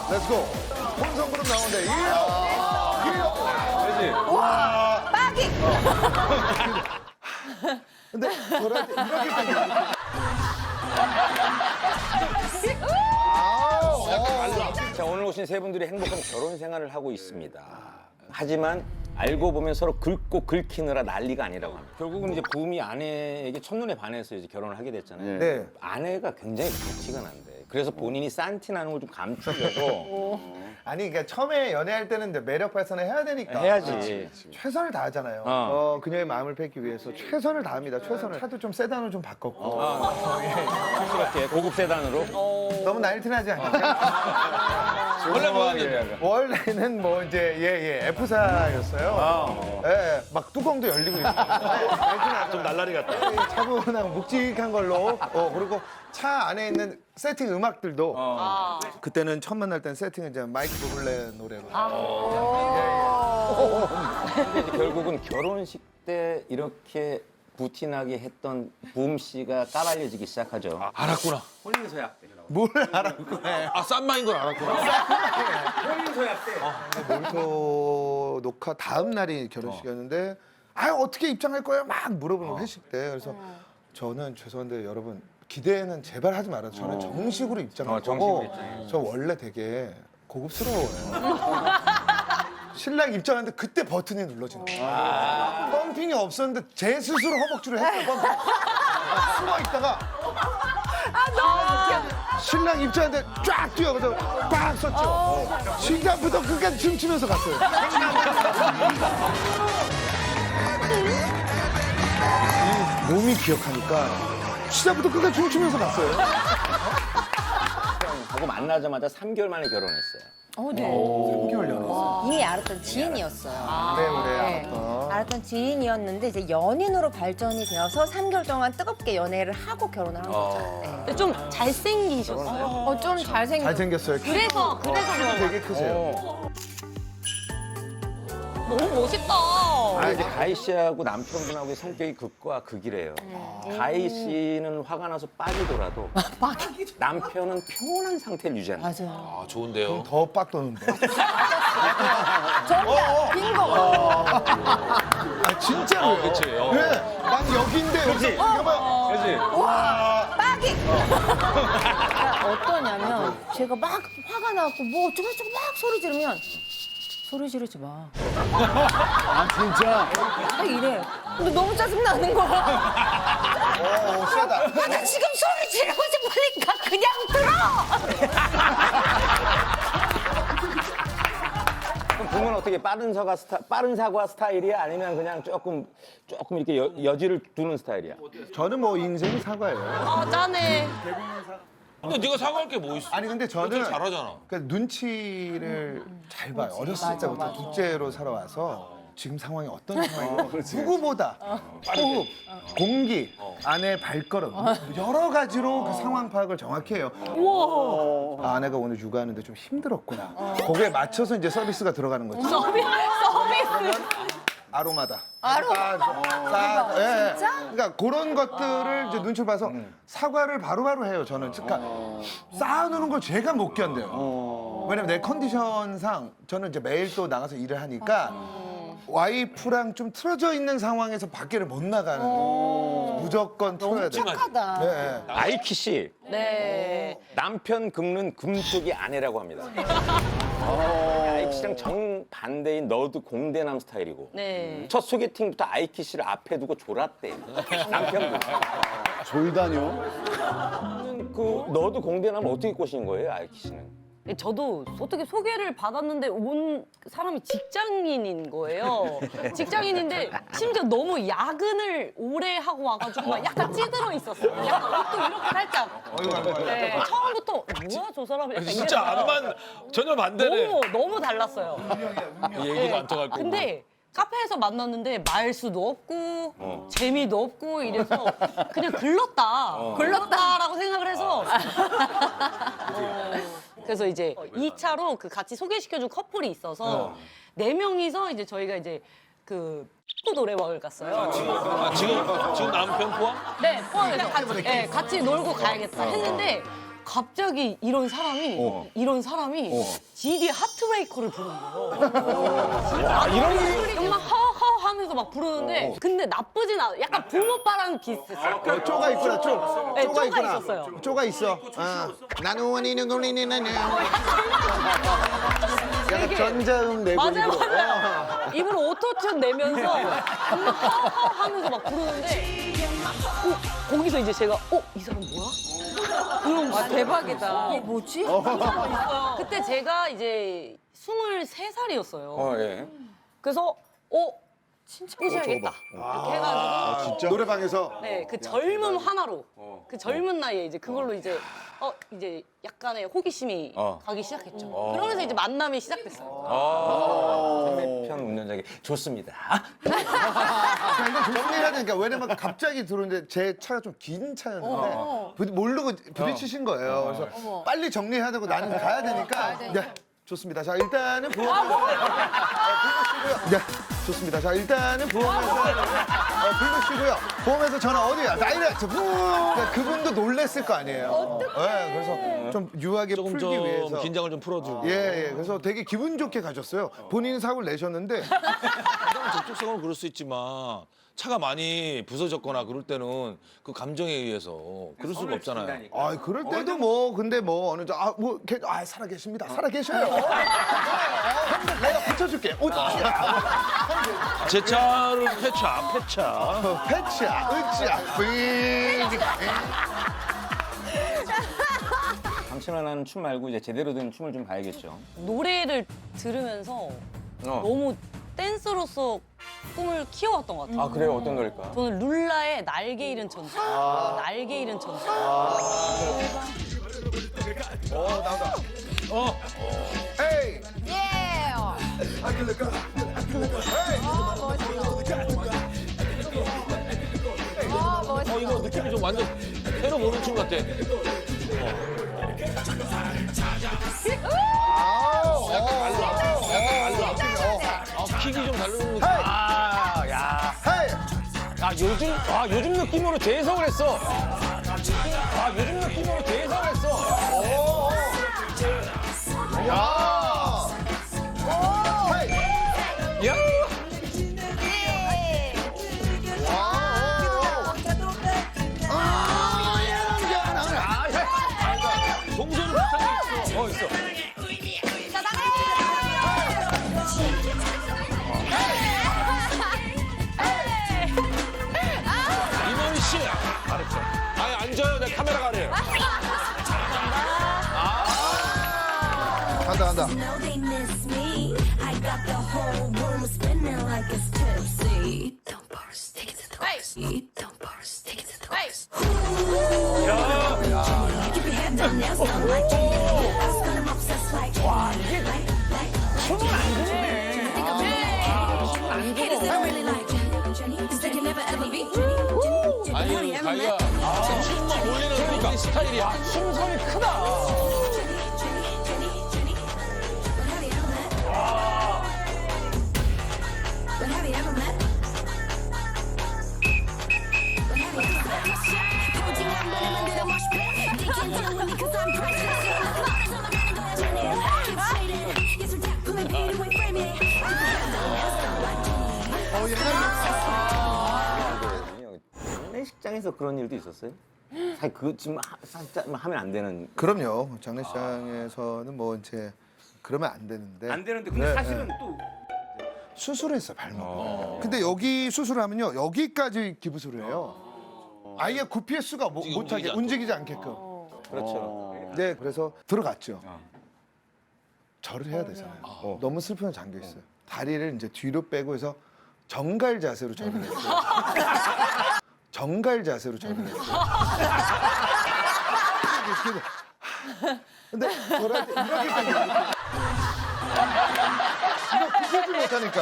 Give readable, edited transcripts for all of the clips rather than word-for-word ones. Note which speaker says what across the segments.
Speaker 1: 렛츠고. 혼성그룹 나오는데, 그지?
Speaker 2: 와, 빠기.
Speaker 1: 근데 저한테 이렇게 생겼
Speaker 3: 자, 오늘 오신 세 분들이 행복한 결혼 생활을 하고 있습니다. 하지만 알고 보면 서로 긁고 긁히느라 난리가 아니라고 합니다. 결국은 이제 부음이 아내에게 첫눈에 반해서 이제 결혼을 하게 됐잖아요.
Speaker 1: 네.
Speaker 3: 아내가 굉장히 불티가 난대. 그래서 본인이 싼티 나는 걸 좀 감추려고
Speaker 1: 아니, 그러니까 처음에 연애할 때는 이제 매력 발산을 해야 되니까.
Speaker 3: 해야지.
Speaker 1: 최선을 다하잖아요. 그녀의 마음을 뺏기 위해서 최선을 다합니다. 최선을. 차도 좀 세단으로 좀 바꿨고.
Speaker 3: 촌스럽게 고급 세단으로.
Speaker 1: 너무 나이트나지 않게.
Speaker 4: 원래 뭐였는데?
Speaker 1: 원래는 뭐 이제 F사였어요. 예, 막 뚜껑도 열리고 있고.
Speaker 4: 좀 날라리 같다.
Speaker 1: 차분하고 묵직한 걸로. 그리고 차 안에 있는 세팅 음악들도 그때는 처음 만날 때는 세팅은 이제 마이크 부블레 노래로.
Speaker 3: 근데 이제 결국은 결혼식 때 이렇게 부티나게 했던 부음 씨가 까발려지기 시작하죠.
Speaker 4: 알았구나.
Speaker 3: 혼인서약 때.
Speaker 1: 뭘 알았고 해.
Speaker 4: 아, 쌈마인 걸 알았구나.
Speaker 3: 혼인서약 때.
Speaker 1: 몰토 녹화 다음 날이 결혼식이었는데 어떻게 입장할 거예요? 막 물어보는 회식 때. 그래서 저는 죄송한데 여러분 기대는 제발 하지 말아요. 저는 정식으로 입장할 거고 저 원래 되게 고급스러워요. 신랑 입장하는데 그때 버튼이 눌러지는 거예요. 펌핑이 없었는데 제 스스로 허벅지로 했어요. 펌핑. 숨어 있다가 신랑 입장하는데 쫙 뛰어가서 빡 썼죠. 시작부터 끝까지 춤추면서 갔어요. 이 몸이 기억하니까 시작부터 끝까지 춤추면서 갔어요.
Speaker 3: 하고 만나자마자 3개월 만에 결혼했어요.
Speaker 2: 네.
Speaker 1: 3개월 연애.
Speaker 5: 이미 알았던 지인이었어요.
Speaker 1: 네,
Speaker 5: 알았던 지인이었는데 이제 연인으로 발전이 되어서 3개월 동안 뜨겁게 연애를 하고 결혼을 한 거죠. 네.
Speaker 2: 근데 좀 잘생기셨어요.
Speaker 5: 좀 잘생긴.
Speaker 1: 잘생겼어요.
Speaker 2: 그래서 그런
Speaker 1: 되게 크세요.
Speaker 2: 너무 멋있다.
Speaker 3: 아, 이제 가희 씨하고 남편분하고의 성격이 극과 극이래요. 가희 씨는 화가 나서 빠지더라도 남편은 평온한 상태를 유지하는 거예요.
Speaker 5: 맞아요.
Speaker 4: 아, 좋은데요.
Speaker 1: 더 빡 도는데.
Speaker 5: 정답 빙고.
Speaker 1: 진짜로요.
Speaker 4: 그치.
Speaker 1: 네. 난 여기인데 여기서 봐봐요.
Speaker 3: 그렇지?
Speaker 5: 빠기. 그러니까 어떠냐면 제가 막 화가 나고 뭐 어쩌고저쩌고 막 소리 지르면 소리 지르지 마.
Speaker 1: 진짜?
Speaker 5: 딱 이래. 근데 너무 짜증나는 거야.
Speaker 1: 세다.
Speaker 5: 나 지금 소리 지르고 싶으니까 그냥 들어.
Speaker 3: 그럼 부모는 어떻게 빠른 사과 스타일이야? 아니면 그냥 조금 이렇게 여지를 두는 스타일이야?
Speaker 1: 저는 뭐 인생이 사과예요.
Speaker 2: 아, 짠해.
Speaker 4: 근데 네가 사과할 게 뭐 있어?
Speaker 1: 아니 근데 저는
Speaker 4: 되게 잘하잖아.
Speaker 1: 그러니까 눈치를 잘 봐요. 어렸을 때부터 둘째로 살아와서 지금 상황이 어떤 상황이고 누구보다 호흡, 공기, 아내의 발걸음 여러 가지로 그 상황 파악을 정확히 해요. 아, 아내가 오늘 육아하는데 좀 힘들었구나. 거기에 맞춰서 이제 서비스가 들어가는 거지.
Speaker 2: 서비스.
Speaker 1: 아로마다. 예. 그러니까 그런 것들을 이제 눈치를 봐서 사과를 바로바로 해요. 저는 그러니까 쌓아놓는 걸 제가 못 견뎌요. 왜냐면 내 컨디션상 저는 이제 매일 또 나가서 일을 하니까 와이프랑 좀 틀어져 있는 상황에서 밖에를 못 나가는 거예요. 무조건 틀어야 돼요.
Speaker 5: 착하다.
Speaker 1: 네.
Speaker 3: 아이키 씨,
Speaker 2: 네.
Speaker 3: 남편 긁는 금쪽이 아내라고 합니다. 아이키 씨랑 정반대인 너도 공대남 스타일이고
Speaker 2: 네.
Speaker 3: 첫 소개팅부터 아이키 씨를 앞에 두고 졸았대. 남편분.
Speaker 1: 졸다뇨?
Speaker 3: 그 너도 공대남을 어떻게 꼬신 거예요, 아이키 씨는?
Speaker 2: 저도 어떻게 소개를 받았는데 온 사람이 직장인인 거예요. 직장인인데 심지어 너무 야근을 오래 하고 와가지고 막 약간 찌들어 있었어요. 약간 옷도 이렇게 살짝. 네, 처음부터 뭐야 저 사람 약간
Speaker 4: 진짜
Speaker 2: 이래서
Speaker 4: 안만 전혀 반대네.
Speaker 2: 너무 달랐어요.
Speaker 4: 얘기도 안 통할 거고.
Speaker 2: 근데 카페에서 만났는데 말수도 없고 재미도 없고 이래서 그냥 글렀다라고 생각을 해서 그래서 이제 2차로 그 같이 소개시켜준 커플이 있어서 4명이서 이제 저희가 이제 그 축구 노래방을 갔어요.
Speaker 4: 지금 남편 포함?
Speaker 2: 네, 포함해서 같이 놀고 가야겠다 했는데 갑자기 이런 사람이 GD 하트브레이커를 부르는 거예요. 와, 이런 막 하하 하면서 막 부르는데 근데 나쁘진 않아. 약간 붕어빠랑 비슷했어요.
Speaker 1: 쪼가 있구나, 쪼.
Speaker 2: 네, 쪼가
Speaker 1: 있구나.
Speaker 2: 있었어요.
Speaker 1: 쪼가 있어. 나는 원이는 걸리는 나는. 약간 전자음 내고
Speaker 2: 맞아요,
Speaker 1: 입으로.
Speaker 2: 맞아요. 입으로 오토튠 내면서 막 하하 하면서 막 부르는데 거기서 이제 제가 이 사람 뭐야? 이런 거
Speaker 5: 대박이다.
Speaker 2: 뭐지? 그때 제가 이제 23살이었어요.
Speaker 3: 예.
Speaker 2: 그래서 진짜 꼬셔야겠다. 이렇게 해가지고
Speaker 1: 노래방에서
Speaker 2: 네, 그 젊음 하나로 그 젊은 나이에 이제 그걸로 이제 이제 약간의 호기심이 가기 시작했죠. 그러면서 이제 만남이 시작됐어요.
Speaker 3: 상대편 운전자에게 좋습니다.
Speaker 1: 이거 정리해야 되니까 왜냐면 갑자기 들어오는데 제 차가 좀 긴 차였는데 모르고 부딪히신 거예요. 그래서 빨리 정리해야 되고 나는 가야 되니까 네, 좋습니다. 자 일단은 보험 쉬고요. 네, 좋습니다. 자 일단은 보험회사 불러쉬고요. 보험회사 전화 어디야? 다이렉트. 그러니까 그분도 놀랬을 거 아니에요. 네, 그래서 좀 유하게
Speaker 4: 조금
Speaker 1: 풀기
Speaker 4: 좀
Speaker 1: 위해서.
Speaker 4: 긴장을 좀 풀어주고.
Speaker 1: 예. 그래서 되게 기분 좋게 가셨어요. 본인이 사고를 내셨는데
Speaker 4: 접촉성은 그럴 수 있지만 차가 많이 부서졌거나 그럴 때는 그 감정에 의해서 그럴 수가 없잖아요.
Speaker 1: 그럴 때도 뭐 근데 뭐 어느 정도 살아 계십니다. 살아 계셔요. 형들 내가 붙여줄게.
Speaker 4: 제 차를 폐차.
Speaker 1: 패치야, 으쌰,
Speaker 3: 당신은 하는 춤 말고 이제 제대로 된 춤을 좀 봐야겠죠.
Speaker 2: 노래를 들으면서 너무 댄서로서 꿈을 키워왔던 것 같아요.
Speaker 3: 아 그래요? 어떤 노래일까?
Speaker 2: 저는 룰라의 날개 잃은 천사. 날개 잃은 천사.
Speaker 1: 나온다. 에이.
Speaker 4: 이거 느낌이 좀 완전 새로 보는 춤 같아. 킥이 좀 다른 느낌.
Speaker 1: 헤이.
Speaker 3: 요즘 느낌으로 재해석을 했어. 요즘 느낌으로 재해석을 했어.
Speaker 1: 야. 헤이.
Speaker 3: 야!
Speaker 4: 동서는 비슷한 게 있어. 이모니 씨. 알았죠. 아니 앉아요. 내 카메라 가래요.
Speaker 1: 간다.
Speaker 6: know they miss me. I got the whole room spinning like it's tipsy. Don't burst, take it to the course. Don't burst, take it to the course. Keep your head down, nails done like Jenny. I was gonna obsess like Jenny. Haters, they don't really like Jenny. Cause they can never ever be Jenny.
Speaker 4: 아니 자기가 춤만 올리는 그 스타일이야.
Speaker 3: 춤선이 크다.
Speaker 6: But have you ever met? Coaching, I'm running under the mosh pit. They can't deal with me 'cause I'm precious. Flowers on the ground, go ahead, Jenny. Keep shading. Yes, we're tap, pull it, beat it, wait, frame it.
Speaker 3: 장례식장에서 그런 일도 있었어요? 사실 그거 지금 살짝 하면 안 되는.
Speaker 1: 그럼요. 장례식장에서는 뭐 이제 그러면 안 되는데.
Speaker 3: 안 되는데 근데
Speaker 1: 네,
Speaker 3: 사실은
Speaker 1: 네.
Speaker 3: 또
Speaker 1: 수술했어 발목. 근데 여기 수술하면요 여기까지 기부술을 해요. 아예 구피의 수가 못하게 움직이지 않게끔.
Speaker 3: 그렇죠.
Speaker 1: 네, 그래서 들어갔죠. 절을 해야 되잖아요. 너무 슬픔에 잠겨 있어요. 다리를 이제 뒤로 빼고 해서 정갈 자세로 절을 했어요. 정갈 자세로 절을 했어요. 근데 절할 때 이렇게까지 이거 굽히지 못하니까.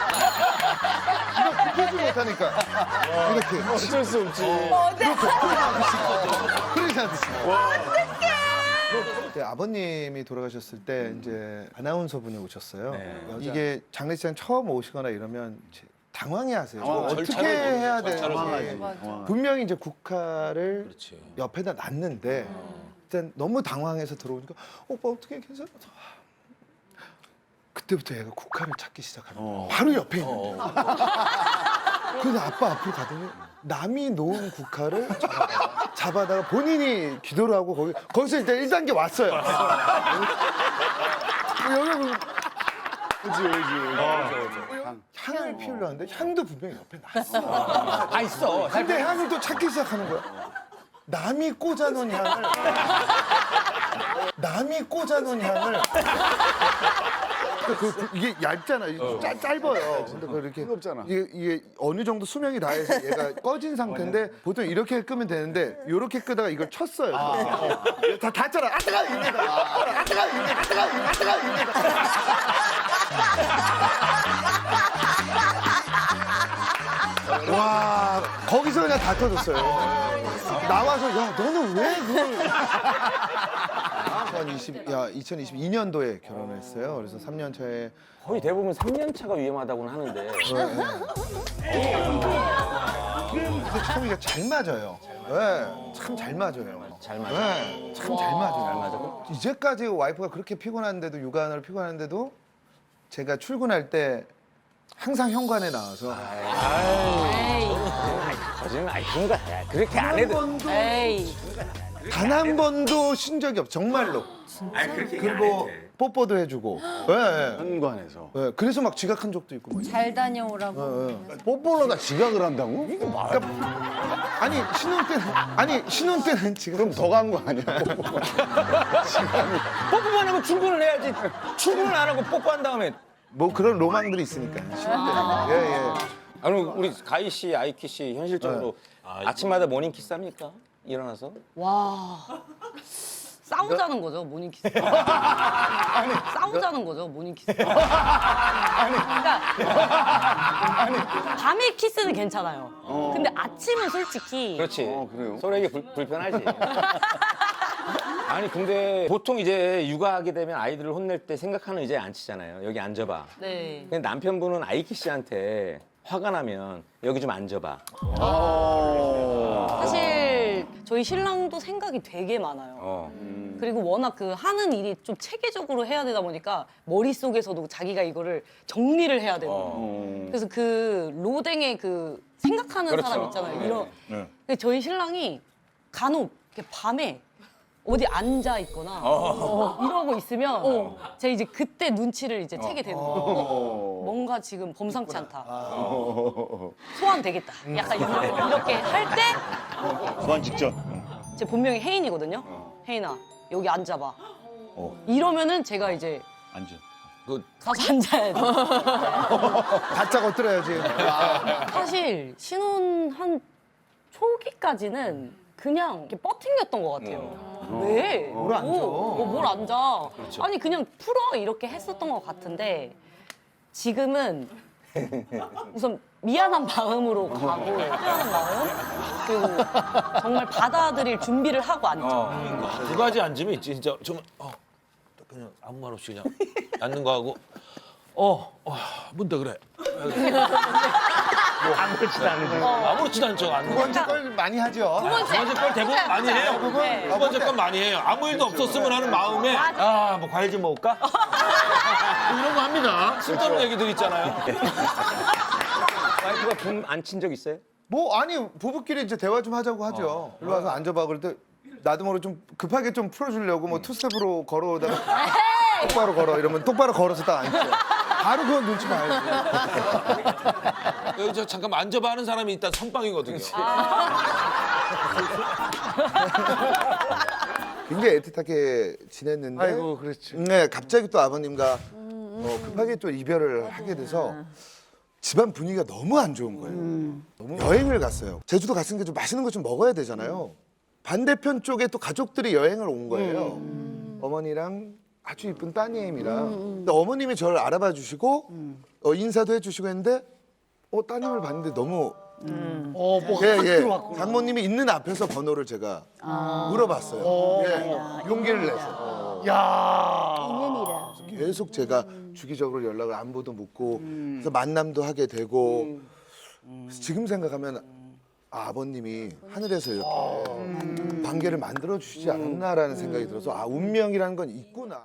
Speaker 1: 이거 굽히지 못하니까. 이렇게.
Speaker 3: 어쩔 수 없지.
Speaker 1: 그러지 않으시죠? 그때 아버님이 돌아가셨을 때 이제 아나운서 분이 오셨어요. 이게 장례식장 처음 오시거나 이러면 이제 당황해하세요. 어떻게
Speaker 4: 절차를
Speaker 1: 해야
Speaker 4: 절차를
Speaker 1: 되는지. 분명히 이제 국화를
Speaker 4: 그렇지.
Speaker 1: 옆에다 놨는데 일단 너무 당황해서 들어오니까 오빠 어떻게 괜찮아? 그때부터 얘가 국화를 찾기 시작하는 거야. 바로 옆에 있는데. 그래서 아빠 앞으로 가더니 남이 놓은 국화를 잡아다가 본인이 기도를 하고 거기서 일단 1단계 왔어요. 여기 향을 피우려는데 향도 분명히 옆에 났어.
Speaker 3: 다 있어.
Speaker 1: 근데 향을 또 찾기 시작하는 거야. 남이 꽂아놓은 향을 이게 얇잖아. 짧아요. 근데 그렇게 이게 어느 정도 수명이 다해서 얘가 꺼진 상태인데 보통 이렇게 끄면 되는데 이렇게 끄다가 이걸 쳤어요. 다 닿잖아. 아 뜨거! 이래다. 아 뜨거! 이래다. 아 뜨거! 아 뜨거! 이래다. 와 거기서 그냥 다 터졌어요. 나와서 야 너는 왜 그걸 2022년도에 결혼을 했어요. 그래서 3년 차에
Speaker 3: 거의 대부분 3년 차가 위험하다고는 하는데.
Speaker 1: 근데 참 이게 잘 맞아요. 네, 참 잘 맞아요.
Speaker 3: 잘 맞아.
Speaker 1: 네, 참 잘 맞아요. 이제까지 와이프가 그렇게 피곤한데도 육아하느라 피곤한데도 제가 출근할 때 항상 현관에 나와서
Speaker 3: 거짓말 그런 거야. 그렇게 안 해도.
Speaker 2: 에이.
Speaker 1: 단 한 번도 쉰 적이 없어 정말로. 그리고 뽀뽀도 해주고. 네,
Speaker 7: 현관에서.
Speaker 1: 네, 그래서 막 지각한 적도 있고. 막.
Speaker 5: 잘 다녀오라고.
Speaker 7: 뽀뽀로다 지각을 한다고?
Speaker 1: 아니 신혼 때는 지금
Speaker 7: 그럼 더 간 거 아니야?
Speaker 3: 뽀뽀만 하면 출근을 해야지. 출근을 안 하고 뽀뽀한 다음에.
Speaker 1: 뭐 그런 로망들이 있으니까 신혼 때는. 예.
Speaker 3: 아니 우리 가희 씨, 아이키 씨 현실적으로 아침마다 모닝 키스 합니까? 일어나서?
Speaker 2: 와. 싸우자는 거죠, 모닝키스. 싸우자는 거죠, 모닝키스. 그러니까 밤에 키스는 괜찮아요. 근데 아침은 솔직히
Speaker 3: 그렇지.
Speaker 7: 그래요?
Speaker 3: 서로에게 불편하지. 아니 근데 보통 이제 육아하게 되면 아이들을 혼낼 때 생각하는 의자에 앉히잖아요. 여기 앉아봐.
Speaker 2: 네.
Speaker 3: 근데 남편분은 아이키 씨한테 화가 나면 여기 좀 앉아봐.
Speaker 2: 사실 저희 신랑도 생각이 되게 많아요. 그리고 워낙 그 하는 일이 좀 체계적으로 해야 되다 보니까 머릿속에서도 자기가 이거를 정리를 해야 되고. 그래서 그 로댕의 그 생각하는
Speaker 3: 그렇죠.
Speaker 2: 사람 있잖아요. 근데 저희 신랑이 간혹 이렇게 밤에 어디 앉아 있거나 이러고 있으면 제가 이제 그때 눈치를 이제 채게 되는 거예요. 뭔가 지금 범상치 않다. 소환 되겠다. 약간 이렇게 할 때
Speaker 7: 소환 직전.
Speaker 2: 제 본명이 혜인이거든요. 혜인아 여기 앉아봐. 이러면은 제가 이제
Speaker 7: 앉아.
Speaker 2: 가서 앉아야 돼.
Speaker 1: 바짝 엎드려야지.
Speaker 2: 사실 신혼 한 초기까지는 그냥 이렇게 버팅겼던 것 같아요. 왜?
Speaker 1: 뭘 앉아?
Speaker 2: 뭘 앉아? 아니 그냥 풀어 이렇게 했었던 것 같은데 지금은 우선 미안한 마음으로 가고 미안한 마음 그리고 정말 받아들일 준비를 하고 앉죠.
Speaker 4: 두 가지 앉으면 있지 진짜 정말 그냥 아무 말 없이 그냥 앉는 거 하고 뭔데 그래 아무렇지도 않죠 앉는
Speaker 1: 두
Speaker 4: 거.
Speaker 1: 번째 걸 많이 하죠.
Speaker 4: 두 번째 걸 대부분 많이 해요. 두 번째 건 많이 해요. 아무 일도 없었으면 하는 마음에 뭐 과일 좀 먹을까? 이런 거 합니다. 쓸데없는 얘기들 있잖아요.
Speaker 3: 와이프가 붐 안 친 적 있어요?
Speaker 1: 뭐 아니 부부끼리 이제 대화 좀 하자고 하죠. 일로 와서 앉아봐 그럴 때 나도 모르게 좀 급하게 좀 풀어주려고 뭐 투스텝으로 걸어오다가 똑바로 걸어 이러면 똑바로 걸어서 딱 앉죠. 바로 그건 눈치 봐야지.
Speaker 4: 여기 저 잠깐 앉아봐 하는 사람이 일단 선빵이거든요.
Speaker 1: 굉장히 애틋하게 지냈는데.
Speaker 7: 아이고, 그렇지.
Speaker 1: 네, 갑자기 또 아버님과 급하게 또 이별을 하게 돼서 집안 분위기가 너무 안 좋은 거예요. 너무 여행을 갔어요. 제주도 갔으니까 좀 맛있는 거 좀 먹어야 되잖아요. 반대편 쪽에 또 가족들이 여행을 온 거예요. 어머니랑 아주 이쁜 따님이랑. 근데 어머님이 저를 알아봐 주시고 인사도 해주시고 했는데 따님을 봤는데 너무 예. 장모님이 있는 앞에서 번호를 제가 물어봤어요. 예, 용기를 내서.
Speaker 5: 인연이라.
Speaker 1: 계속 제가 주기적으로 연락을 안부도 묻고 그래서 만남도 하게 되고 그래서 지금 생각하면 아버님이 하늘에서 이렇게 관계를 만들어 주시지 않았나라는 생각이 들어서 아 운명이라는 건 있구나.